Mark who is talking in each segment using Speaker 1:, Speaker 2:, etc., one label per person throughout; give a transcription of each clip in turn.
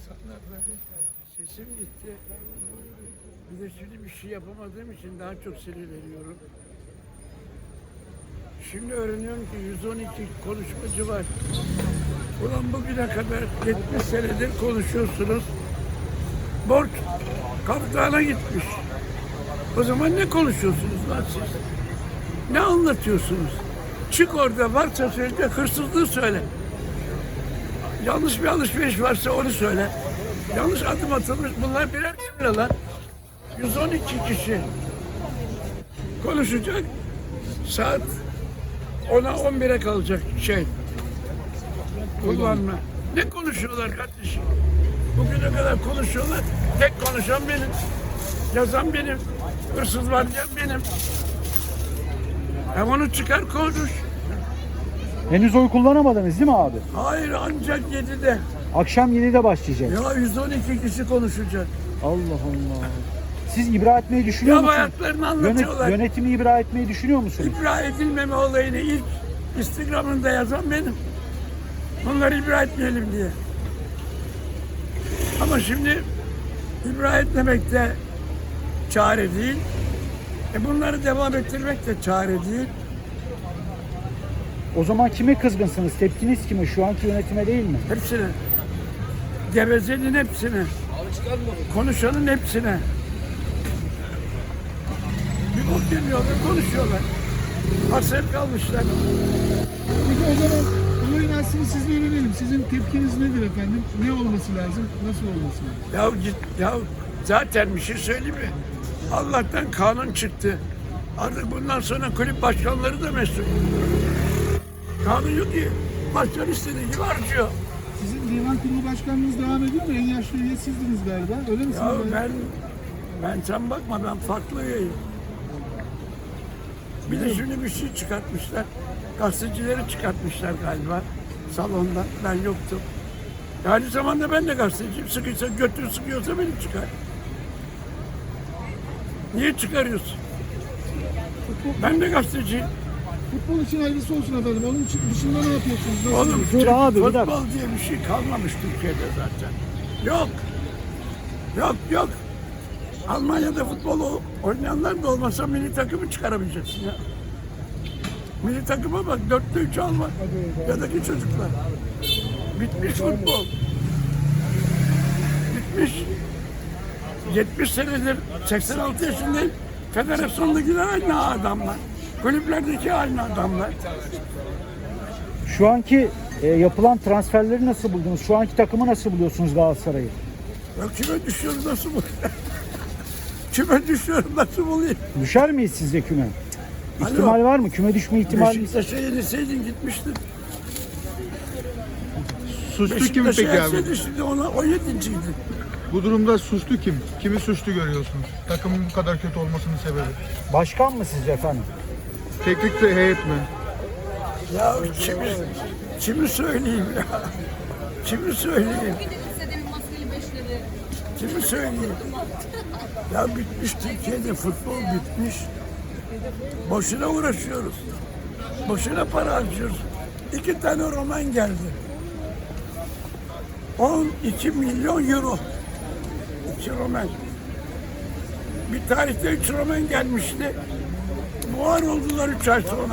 Speaker 1: insanlarla sesim gitti. Bir de şimdi bir şey yapamadığım için daha çok sinirleniyorum. Şimdi öğreniyorum ki 112 konuşmacı var. Ulan bugüne kadar 70 senedir konuşuyorsunuz. Borç kaptana gitmiş. O zaman ne konuşuyorsunuz lan siz? Ne anlatıyorsunuz? Çık orada varsa söyle, hırsızlığı söyle. Yanlış bir alışveriş varsa onu söyle. Yanlış adım atılmış. Bunlar birer liralar. 112 kişi konuşacak. Saat 10'a 11'e kalacak şey. Kullanma. Ne konuşuyorlar kardeşim? Bugüne kadar konuşuyorlar. Tek konuşan benim. Yazan benim. Hırsız var diyen benim. Hem onu çıkar konuş.
Speaker 2: Henüz oy kullanamadınız değil mi abi?
Speaker 1: Hayır ancak 7'de.
Speaker 2: Akşam 7'de başlayacak.
Speaker 1: Ya 112 kişi konuşacak.
Speaker 2: Allah Allah. Siz ibra etmeyi düşünüyor
Speaker 1: Ya
Speaker 2: musunuz?
Speaker 1: hayatlarını anlatıyorlar.
Speaker 2: Yönetimi ibra etmeyi düşünüyor musunuz?
Speaker 1: İbra edilmeme olayını ilk Instagram'ında yazan benim. Bunları ibra etmeyelim diye. Ama şimdi ibra etmemek de çare değil. Bunları devam ettirmek de çare değil.
Speaker 2: O zaman kime kızgınsınız? Tepkiniz kime? Şu anki yönetime değil mi?
Speaker 1: Hepsine. Gevezenin hepsine. Konuşanın hepsine. Bir bok demiyorlar, konuşuyorlar. Hasret kalmışlar.
Speaker 3: Peki o zaman olayın aslını sizle öğrenelim. Sizin tepkiniz nedir efendim? Ne olması lazım? Nasıl olması lazım?
Speaker 1: Ya zaten bir şey söyleyeyim mi? Allah'tan kanun çıktı. Artık bundan sonra kulüp başkanları da mesul. Kanun yok ki. Başkan istediği gibi harcıyor.
Speaker 3: Sizin divan kurulu başkanlığınız devam ediyor mu? En yaşlı üye sizdiniz galiba. Öyle misiniz?
Speaker 1: Ya ben sen bakma ben farklı üyeyim. Bir de şimdi bir şey çıkartmışlar. Gazetecileri çıkartmışlar galiba salonda. Ben yoktum. Aynı zamanda ben de gazeteciyim. Sıkıysa götür sıkıyorsa beni çıkar. Niye çıkarıyorsun? Ben de gazeteciyim.
Speaker 3: Futbol için hayırlısı olsun efendim. Onun için dışında ne yapıyorsunuz? Nasıl?
Speaker 1: Oğlum
Speaker 2: Dur abi, bir dakika.
Speaker 1: futbol diye bir şey kalmamış Türkiye'de zaten. Yok. Yok. Almanya'da futbol oynayanlar da olmasa milli takımı çıkaramayacaksın ya. Milli takıma bak 4'te 3 Alman. Yadaki çocuklar. Bitmiş futbol. Bitmiş. 70 senedir 86 yaşındayım. Federasyondakiler aynı adamlar. Kulüplerdeki aynı adamlar.
Speaker 2: Şu anki yapılan transferleri nasıl buldunuz? Şu anki takımı nasıl buluyorsunuz Galatasaray'ı?
Speaker 1: Ya kime düşüyorum nasıl bu? Kime düşüyorum nasıl bulayım?
Speaker 2: Düşer miyiz sizce küme? İhtimal var mı? Küme düşme ihtimali?
Speaker 1: Beşiktaş'a yenilseydin gitmiştin.
Speaker 4: Suçlu kim peki abi?
Speaker 1: Yenseydin şimdi ona o yedinciydi.
Speaker 4: Bu durumda suçlu kim? Kimi suçlu görüyorsunuz? Takımın bu kadar kötü olmasının sebebi.
Speaker 2: Başkan mı sizce efendim?
Speaker 4: Teknik ve heyet mi?
Speaker 1: Ya kimi söyleyeyim ya? Kimi söyleyeyim?
Speaker 5: İstediğim maskeli beşleri.
Speaker 1: Kimi söyleyeyim? Ya bitmiş Türkiye'de futbol bitmiş. Boşuna uğraşıyoruz. Boşuna para harcıyoruz. 2 tane roman geldi. 12 milyon euro. 2 roman. Bir tarihte 3 roman gelmişti. Buhar oldular 3 ay sonra.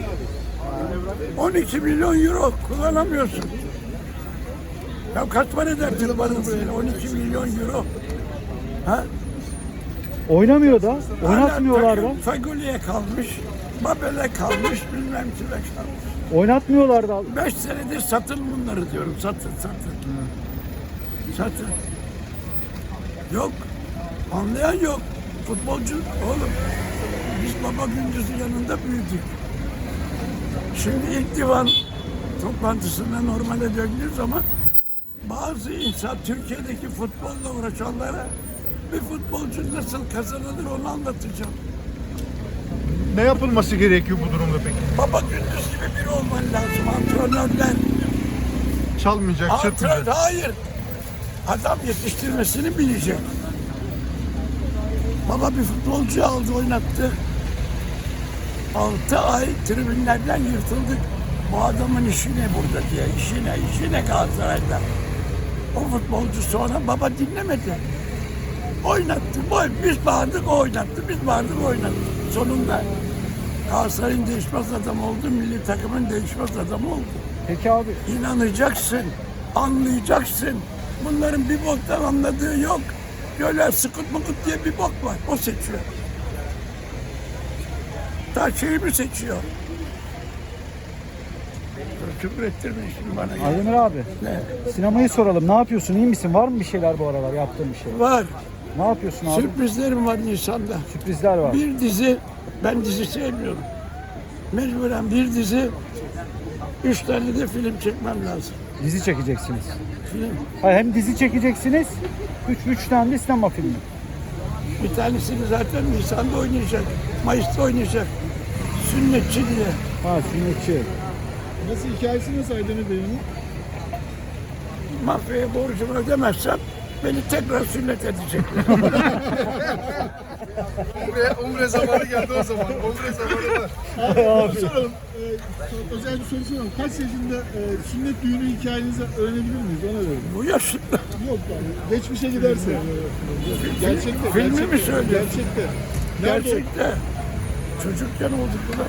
Speaker 1: 12 milyon euro kullanamıyorsun. Ya kaç para eder tırmanın böyle 12 milyon euro? Ha?
Speaker 2: Oynamıyor da, oynatmıyorlar da.
Speaker 1: Hala takım Fagoli'ye kalmış, Babel'e kalmış, bilmem kime kalmış.
Speaker 2: Oynatmıyorlar da.
Speaker 1: 5 senedir satın bunları diyorum, satın. Satın. Yok, anlayan yok. Futbolcu, oğlum, biz Baba Gündüz'ün yanında büyüdük. Şimdi ilk divan toplantısında normale döndüğü zaman bazı insan Türkiye'deki futbolla uğraşanlara bir futbolcu nasıl kazanılır onu anlatacağım.
Speaker 4: Ne yapılması gerekiyor bu durumda peki?
Speaker 1: Baba Gündüz gibi biri olman lazım. Antrenörler.
Speaker 4: Çalmayacak, çırpmayacak.
Speaker 1: Hayır. Adam yetiştirmesini bilecek. Baba bir futbolcu aldı oynattı. 6 ay tribünlerden yırtıldık. Bu adamın işi ne burada diye. İşi ne Galatasaray'da. O futbolcu sonra baba dinlemedi. Oynattı. Biz bağırdık o oynattı. Biz bağırdık o oynattı. Sonunda Galatasaray'ın değişmez adamı oldu. Milli takımın değişmez adamı oldu.
Speaker 2: Peki abi,
Speaker 1: İnanacaksın. Anlayacaksın. Bunların bir boktan anladığı yok. Böyle sıkıt mıkıt diye bir bok var. O seçiyor. Ta şeyi mi seçiyor? Küfür ettirme şimdi bana. Ya.
Speaker 2: Aydemir abi,
Speaker 1: Ne?
Speaker 2: sinemayı soralım. Ne yapıyorsun? İyi misin? Var mı bir şeyler bu aralar yaptığın bir şey?
Speaker 1: Var.
Speaker 2: Ne yapıyorsun abi?
Speaker 1: Sürprizlerim var Nisan'da.
Speaker 2: Sürprizler var.
Speaker 1: Bir dizi, ben dizi sevmiyorum. Mecburen bir dizi, 3 tane de film çekmem lazım.
Speaker 2: Dizi çekeceksiniz.
Speaker 1: Film.
Speaker 2: Hayır, hem dizi çekeceksiniz, üç tane de sinema filmi.
Speaker 1: Bir tanesini zaten Nisan'da oynayacak. Mayıs'ta oynayacak. Sünnetçi diye.
Speaker 2: Ha, sünnetçi.
Speaker 3: Nasıl hikayesi nasıl Aydemir Bey'in?
Speaker 1: Mafyaya borcumu ödemezsem beni tekrar sünnet edecekler.
Speaker 4: Umre zamanı geldi o zaman. Umre zamanı var.
Speaker 3: Soralım. Özel bir soru soralım. Kaç yaşında sünnet düğünü hikayenizi öğrenebilir miyiz? Ona verelim.
Speaker 1: Bu yaşında.
Speaker 3: Yok yani. Geçmişe giderse. Gerçekte.
Speaker 1: Filmi mi
Speaker 3: gerçekte,
Speaker 1: söylüyor?
Speaker 3: Gerçekte. Nerede
Speaker 1: Gerçekte. Çocukken olduk bunlar.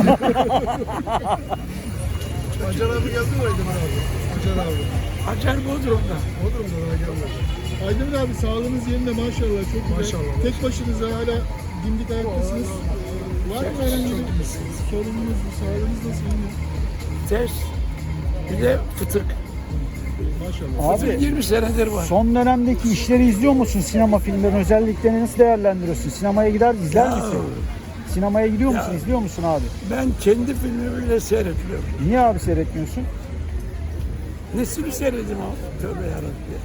Speaker 4: Hacer abi geldi mi Aydemir abi? Hacer abi.
Speaker 1: Hacer Bodrum'da.
Speaker 4: Bodrum'da daha gelmedi.
Speaker 3: Aydemir abi sağlığınız yerinde maşallah çok güzel.
Speaker 4: Maşallah.
Speaker 3: Tek başınıza hala dimdik ayaktasınız. Var mı herhangi bir sorununuz, sağlığınız nasıl iyi mi?
Speaker 1: Test. Bir de fıtık.
Speaker 3: Maşallah.
Speaker 1: Fıtık
Speaker 2: Abi,
Speaker 1: 20 senedir var.
Speaker 2: son dönemdeki işleri izliyor musun? Sinema filmlerin özelliklerini nasıl değerlendiriyorsun? Sinemaya izler
Speaker 1: Ya.
Speaker 2: misin? Sinemaya gidiyor musun?
Speaker 1: Ya.
Speaker 2: İzliyor musun abi?
Speaker 1: Ben kendi filmimi bile seyretmiyorum.
Speaker 2: Niye abi seyretmiyorsun?
Speaker 1: Nesini seyredim abi? Tövbe yarabbim.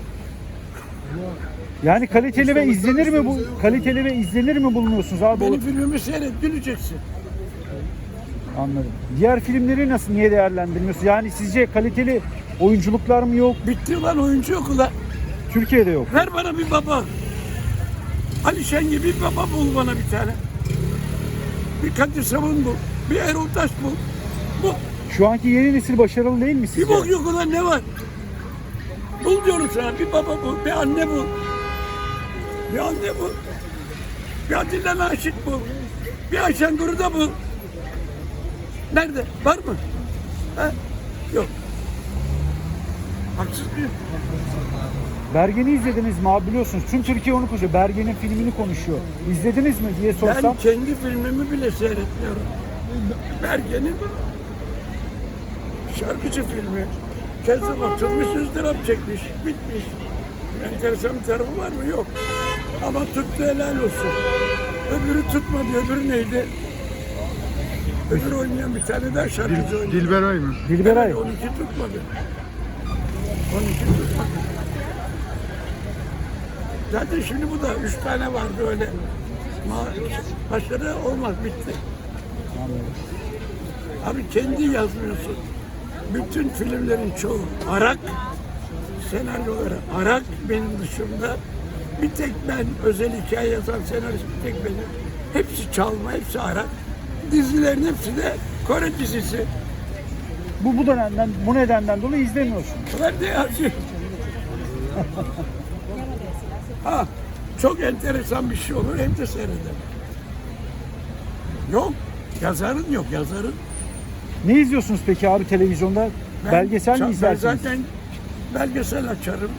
Speaker 2: Yani kaliteli ve izlenir mi bu? Kaliteli ve izlenir mi bulunuyorsunuz abi?
Speaker 1: Benim filmimi seyret, güleceksin.
Speaker 2: Anladım. Diğer filmleri nasıl, niye değerlendirmiyorsun? Yani sizce kaliteli oyunculuklar mı yok?
Speaker 1: Bitti lan oyuncu yok ulan.
Speaker 2: Türkiye'de yok.
Speaker 1: Ver bana bir baba. Ali Şen gibi bir baba bul bana bir tane. Bir Kadir Savun bul. Bir Erol Taş bul. Bu.
Speaker 2: Şu anki yeni nesil başarılı değil mi sizce?
Speaker 1: Bir bok yok ulan ne var? Bul diyorum sana. Bir baba bul. Bir anne bul. Bir anne bul. Bir Atilla Naşit bul. Bir Ayşen Guru'da bul. Nerede? Var mı? Ha? Yok. Haksız mıyım?
Speaker 2: Bergen'i izlediniz mi abi, biliyorsunuz? Tüm Türkiye onu konuşuyor. Bergen'in filmini konuşuyor. İzlediniz mi diye sorsam.
Speaker 1: Ben kendi filmimi bile seyretmiyorum. Bergen'in şarkıcı filmi. Kezzap atılmış, ızdırap çekmiş, bitmiş. Enteresan bir tarafı var mı? Yok. Ama tuttu, helal olsun. Öbürü tutmadı, öbürü neydi? Öbürü oynayan bir tane daha şarkıcı oynadı.
Speaker 4: Dilberay mı?
Speaker 2: Dilberay.
Speaker 1: Evet, 12 tutmadı. 12 tutmadı. Zaten şimdi bu da 3 tane vardı öyle. Başarı olmaz, bitti. Abi kendi yazmıyorsun. Bütün filmlerin çoğu Arak, senaryoları Arak benim dışımda. Bir tek ben özel hikaye yazan senarist bir tek benim. Hepsi çalma, hepsi Arak. Dizilerin hepsi de Kore dizisi.
Speaker 2: Bu nedenden dolayı izlemiyorsun.
Speaker 1: Ben de yazıyorum. Ha, çok enteresan bir şey olur hem de seyrederim. Yok, yazarın yok, yazarın.
Speaker 2: Ne izliyorsunuz peki abi televizyonda? Belgesel mi izlersiniz?
Speaker 1: Ben zaten belgesel açarım.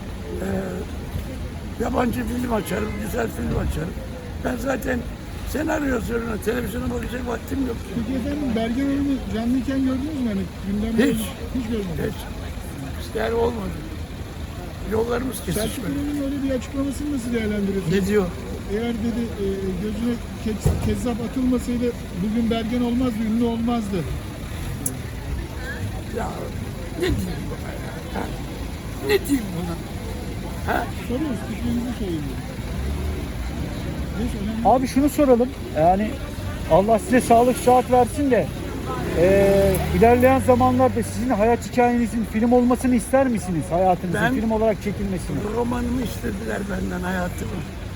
Speaker 1: Yabancı film açarım, güzel film açarım. Ben zaten senaryo yazıyorum, televizyona bakacak vaktim yok.
Speaker 3: Peki efendim Bergen Hanım'ı canlıyken gördünüz mü? Hani gündemde
Speaker 1: Hiç.
Speaker 3: hiç görmedim.
Speaker 1: Hiç. Yani olmadı. Yollarımız
Speaker 3: Selçuk
Speaker 1: kesişmedi.
Speaker 3: Hanım'ın öyle bir açıklamasını nasıl değerlendiriyorsunuz?
Speaker 1: Ne diyor?
Speaker 3: Eğer dedi gözüne kezzap atılmasaydı bugün Bergen olmazdı, ünlü olmazdı.
Speaker 1: Ya ne diyeyim buna ya? Ha? Ne diyeyim buna? Ha?
Speaker 3: Soruyoruz, fikrinizi söyleyin. Neyse önemli.
Speaker 2: Abi şunu soralım. Yani Allah size sağlık sıhhat versin de ilerleyen zamanlarda sizin hayat hikayenizin film olmasını ister misiniz? Hayatınızın
Speaker 1: Ben-
Speaker 2: film olarak çekilmesini.
Speaker 1: Romanımı istediler benden, hayatımı.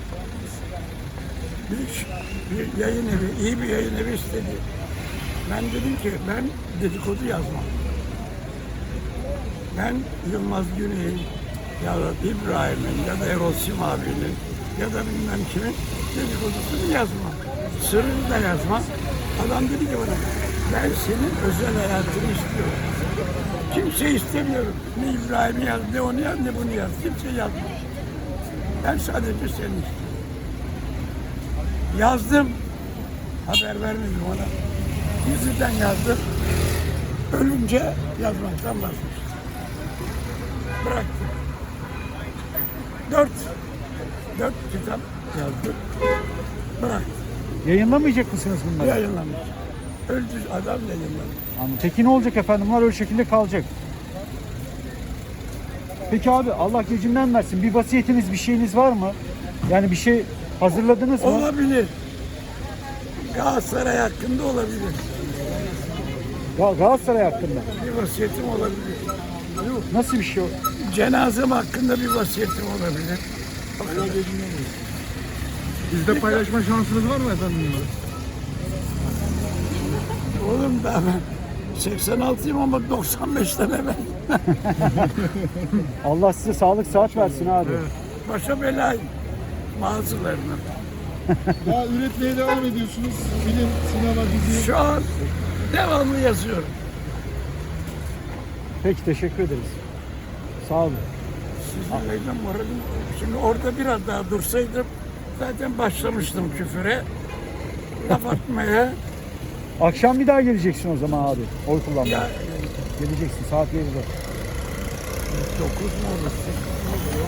Speaker 1: Bir yayın evi, iyi bir yayın evi istedi. Ben dedim ki ben dedikodu yazmam. Ben Yılmaz Güney'in ya da İbrahim'in ya da Erol Sim abinin ya da bilmem kimin dedikodusunu yazmam. Sırrını da yazmam. Adam dedi ki bana, ben senin özel hayatını istiyorum. Kimse istemiyorum. Ne İbrahim'i yaz, ne onu yaz, ne bunu yaz. Kimse yazmıyor. Ben sadece seni istiyorum. Yazdım. Haber vermedim ona. Gizliden yazdım. Ölünce yazmaktan vazgeçtim. Bıraktım. Dört kitap yazdım. Bıraktım.
Speaker 2: Yayınlamayacak mısınız bunları?
Speaker 1: Yayınlamayacağım. Öldü adam yayınlamayacak.
Speaker 2: Anladım. Peki ne olacak efendim? Bunlar öyle şekilde kalacak. Peki abi Allah gecinden versin. Bir vasiyetiniz, bir şeyiniz var mı? Yani bir şey hazırladınız mı?
Speaker 1: Olabilir. Galatasaray hakkında olabilir.
Speaker 2: Galatasaray hakkında.
Speaker 1: Bir vasiyetim olabilir.
Speaker 2: Nasıl bir şey o?
Speaker 1: Cenazem hakkında bir vasiyetim olabilir.
Speaker 4: Bizde paylaşma şansınız var mı efendim bunları?
Speaker 1: Oğlum da ben 86'yım ama 95'ten evvel.
Speaker 2: Allah size sağlık saat versin abi.
Speaker 1: Başa belayım. Bazılarına.
Speaker 3: Daha üretmeye devam ediyorsunuz. Film, sinema, dizi.
Speaker 1: Şu an devamlı yazıyorum.
Speaker 2: Peki teşekkür ederiz. Sağ olun.
Speaker 1: Sizlerle moralim. Şimdi orada biraz daha dursaydım zaten başlamıştım küfüre. Laf atmaya.
Speaker 2: Akşam bir daha geleceksin o zaman abi. Oy kullanmaya.
Speaker 1: Ya
Speaker 2: Geleceksin saat 7'de.
Speaker 1: 9 mu olur? 8 mi olur?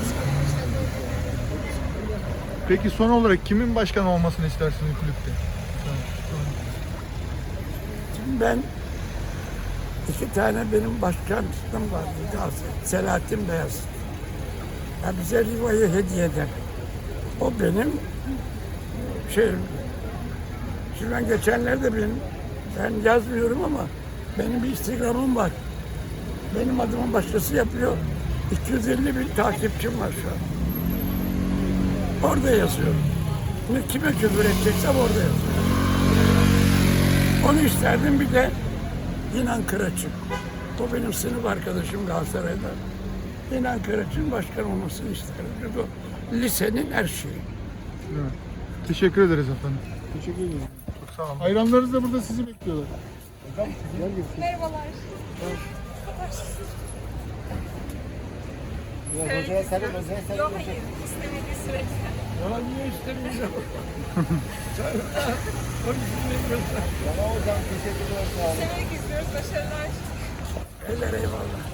Speaker 4: Peki son olarak kimin başkan olmasını istersiniz kulüpte?
Speaker 1: Şimdi ben iki tane benim başkanım vardı. Selahattin Beyaz. Ya bize Riva'yı hediye eden. O benim şeyim. Şimdi ben geçenlerde ben yazmıyorum ama benim bir Instagram'ım var. Benim adımı başkası yapıyor. 250 bin takipçim var şu an. Orada yazıyorum. Şimdi kime küfür edeceksem orada yazıyorum. Onu isterdim, bir de İnan Kıraç'ın. O benim sınıf arkadaşım Galatasaray'da. İnan Kıraç'ın başkan olmasını isterdim. Çünkü o lisenin her şeyi.
Speaker 4: Evet. Teşekkür ederiz efendim.
Speaker 3: Teşekkür ederim.
Speaker 4: Çok sağ olun.
Speaker 3: Hayranlarınız da burada sizi bekliyorlar.
Speaker 5: Merhabalar. Yok hayır. İstemediği sürece.
Speaker 1: Ya niye istemiyorum?
Speaker 5: İstemek istiyoruz. Başarılar.
Speaker 1: Eller eyvallah.